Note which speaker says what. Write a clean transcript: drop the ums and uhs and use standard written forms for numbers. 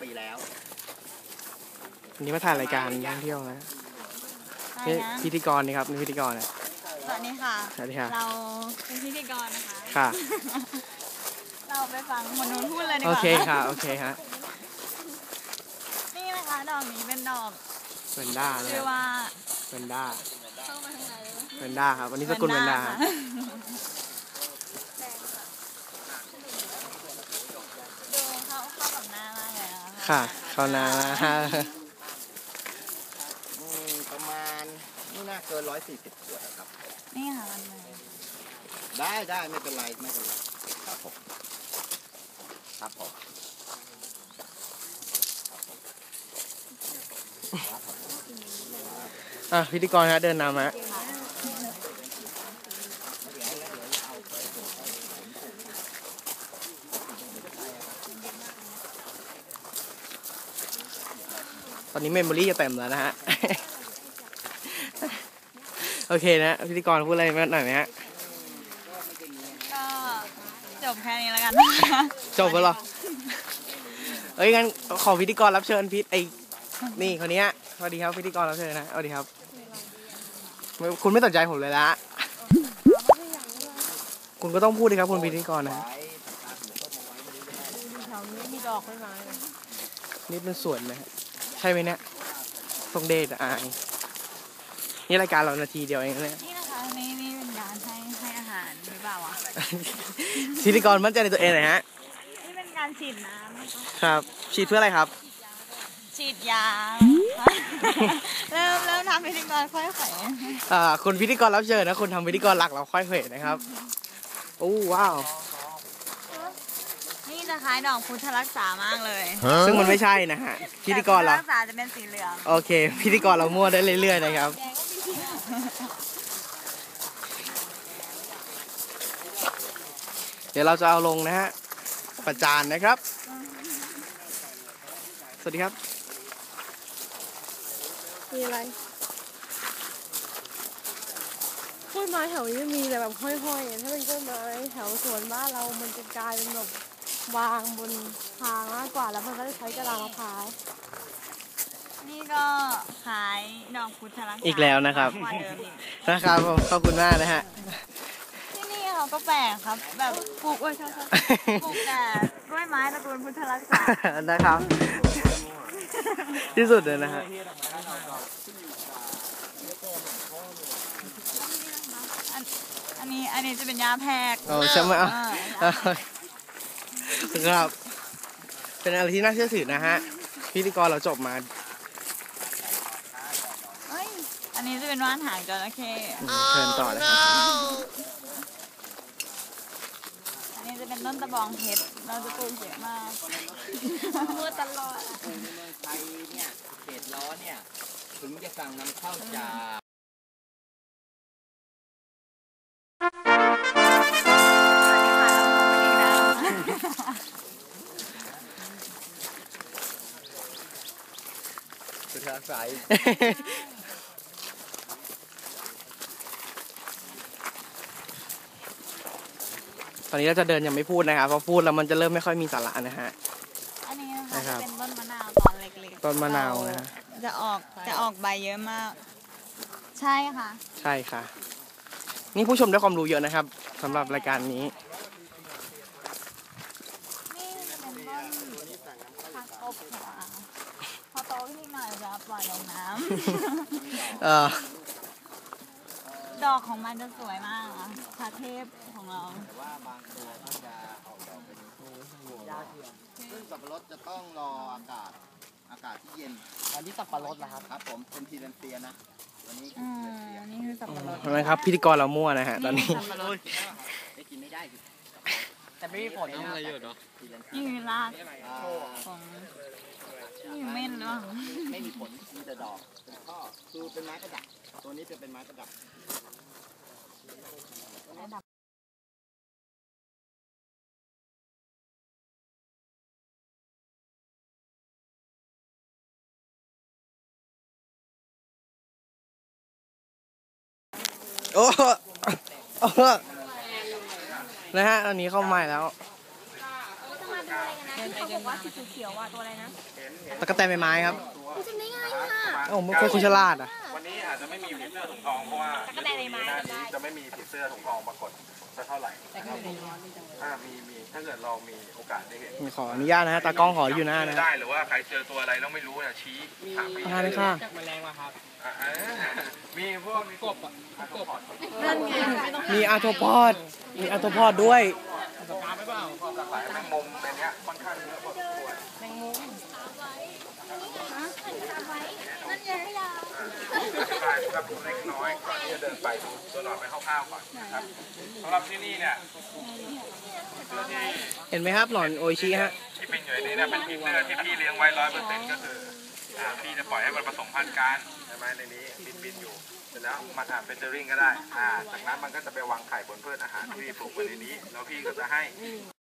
Speaker 1: ปีแล้ว
Speaker 2: วันนี้มาถ่ายรายการท่องเที่ยวนะนี่พิธีกรนี่ครับนี่พิธีกรนะ
Speaker 3: สวัสดีค่ะ
Speaker 2: สวัสดีค่ะ
Speaker 3: เราเป็นพิธีกรนะคะ
Speaker 2: ค่ะ
Speaker 3: เราไปฟังคนนู้นพูดเลยดีกว่า
Speaker 2: โอเคค่ะโอเคฮะ
Speaker 3: นี่นะคะดอกนี้เป็นดอก
Speaker 2: เวนด้า
Speaker 3: ชื่อว่า
Speaker 2: เวนด้า
Speaker 3: เข้ามาทางไหน
Speaker 2: เวนด้าครับวันนี้สกุลเวนด้า
Speaker 3: ดูเข้ากับหน้ามากเลยนะ
Speaker 2: ค่ะเข้าหน้า
Speaker 1: ประมาณนี่น่าเกิน140 ขวดครับ
Speaker 3: นี่ค่ะมัน
Speaker 1: ได้ไม่เป็นไรครับผม
Speaker 2: พิธีกรฮะเดินนำฮะตอนนี้เมมโมรี่จะเต็มแล้วนะฮะโอเคนะพิธีกรพูดอะไรหน่อยไหมฮะ
Speaker 3: ก็จบแค่นี้แล้วกัน
Speaker 2: จบแล้วเหรองั้นขอพิธีกรรับเชิญนี่คนนี้สวัสดีครับพิธีกรรับเชิญนะสวัสดีครับคุณไม่สนใจผมเลยละคุณก็ต้องพูดดิครับคุณพิธีกรนะ
Speaker 3: แถวนี้มีดอกไม้
Speaker 2: นี่เป็นสวนนะใช่ไหมเนี่ยทรงเดชนี่รายการเรานาทีเดียวเองเนี่ย
Speaker 3: นี่นะคะนี่เป็นการให้อาหารหรือเปล่าวะ
Speaker 2: พิธีกรมั่นใจในตัวเองหน่อยฮะ
Speaker 3: นี่เป็นการฉีดน้ำ
Speaker 2: ครับฉีดเพื่ออะไรครับ
Speaker 3: ฉีดยาเริ่มทำพิธีกรค่อยเขว
Speaker 2: คุณพิธีกรรับเชิญนะคุณทำพิธีกรหลักเราค่อยเขวนะครับโอ้ว้าว
Speaker 3: นี่จะคล้ายดอกพุทธรักษามากเลย
Speaker 2: ซึ่งมันไม่ใช่นะฮะพิธีกรเรา
Speaker 3: รักษาจะเป็นสีเหลือง
Speaker 2: โอเคพิธีกรเรามั่วได้เรื่อยๆนะครับเดี๋ยวเราจะเอาลงนะฮะประจานนะครับสวัสดีครับ
Speaker 4: มีอะไรกล้วยไม้แถวนี้มีแต่แบบห้อยๆถ้าเป็นกล้วยไม้แถวสวนบ้านเรามันจะกลายเป็นแบบวางบนทางมากกว่าแล้วมันก็จะใช้กระดาษมะพร้าว
Speaker 3: นี่ก็ขายดอกพุทธรักษา
Speaker 2: อีกแล้วนะครับผมขอบคุณมากนะฮะ
Speaker 3: ที่นี่เขาก็แปลกครับแบบปลูกปลูกแต่กล้วยไม้ตระกูลพุทธรักษา
Speaker 2: นะครับที่สุดเลยนะฮะ
Speaker 3: อันนี้จะเป็นยาแพรก
Speaker 2: ใช่ไหมครับเป็นอะไรที่น่าเชื่อถือนะฮะพิธีกรเราจบมา
Speaker 3: อันนี้จะเป็นว่านหางจระเข้
Speaker 2: เชิญต่อเลยครับ
Speaker 3: อันนี้จะเป็นต้นตะบองเพชรเราจะปลูกเยอะมากพูดตลอด
Speaker 1: ในเมืองไทยเนี่ยเขตร้อนเนี่ยถึงจะสั่งนำเข้าจากสุดท้ายสาย
Speaker 2: ตอนนี้เราจะเดินยังไม่พูดนะครับเพราะพูดแล้วมันจะเริ่มไม่ค่อยมีสาระนะฮะ
Speaker 3: อันนี้นะคะเป็นต้นมะนาวตอนเล็กๆ
Speaker 2: ต้นมะนาวนะฮะ
Speaker 3: จะออกใบเยอะมากใช่ค่ะ
Speaker 2: ใช่ค่ะนี่ผู้ชมได้ความรู้เยอะนะครับสำหรับรายการนี้
Speaker 3: นี่เป็นต้นผักตบค่ะพอโตขึ้นหน่อยจะปล่อยลงน้ำดอกของมันจะสวยมากอ่ะพระเทพของเรา
Speaker 1: แต่ว่าบางตัวก็จะออกดอกเป็นยาเทียมซึ่งสับปะรดจะต้องรออากาศที่เย็นอันนี้สับปะรดนะครับผมเป็นทีเรนเซียนะวันนี้
Speaker 3: นี่คือสับปะรด
Speaker 2: นะครับพิธีกรเรามั่วนะฮะตอนนี้
Speaker 1: ได้กินไม่ได้
Speaker 5: แต่ไม่มีผลอะไรเยอะเนาะ
Speaker 3: นี่คือรากของนี่เม่นหรือเปล่า
Speaker 1: ไม่มีผลมีแต่ดอกเป็นข้อคือเป็นไม้ประดับตัวนี้จะเป็นไม้ประดับ
Speaker 2: นะฮะตอนนี้เข้าใหม่แล้ว
Speaker 3: ที่เขาบอกว่าสีเขียวๆอ่ะตัวอะไรนะ
Speaker 2: ตะกั่วแตนใบไม้ครับ
Speaker 3: จำได้ง่ายค่ะ
Speaker 2: เอ้าผมเป็นคนฉลาดอ่ะ
Speaker 6: วันนี้อาจจะไม่มีผีเสื้อถุงทองเพราะว่า
Speaker 3: ตะกั่วแตนใบไม้
Speaker 6: หน้านี้จะไม่มีผีเสื้อถุงทองปรากฏสักเท่าไหร่นะครับมีถ้าเกิดเรามีโอกาสได้เห็น
Speaker 2: ขออนุญาตนะฮะตากล้องขออยู่หน้านะ
Speaker 6: ได้หรือว่าใครเจอตัวอะไรแล้วไม่รู้เนี่ยชี้ถามพี่
Speaker 2: ประธานเลยค่ะ
Speaker 5: แมลงมาครับ
Speaker 6: มีพวกกบกบ
Speaker 2: มีอาร์โทพอดมีอาร์โทพอดด้วย
Speaker 5: ปากกาไม่เปล่า
Speaker 6: หลากหลายแมงมุมในเนี้ยค่อนข้างเยอะพอสมควร
Speaker 3: นั่นไง
Speaker 6: ใช่ครับเล็กน้อยก่อนที่จะเดินไปดูตัวหนอนไปคร่าวๆก่อนนะครับสำหรับที่นี่เนี่ยเสื้อที่
Speaker 2: เห็นไหมครับหนอนโออิชิฮะ
Speaker 6: ที่เป็นอยู่ในนี้เนี่ยเป็นผีเสื้อที่พี่เลี้ยงไว้100%ก็คือพี่จะปล่อยให้มันผสมพันธุ์กันใช่ไหมในนี้บินอยู่เสร็จแล้วมันเป็นเจอริงก็ได้จากนั้นมันก็จะไปวางไข่บนพืชอาหารที่พี่ปลูกไว้ในนี้แล้วพี่ก็จะให้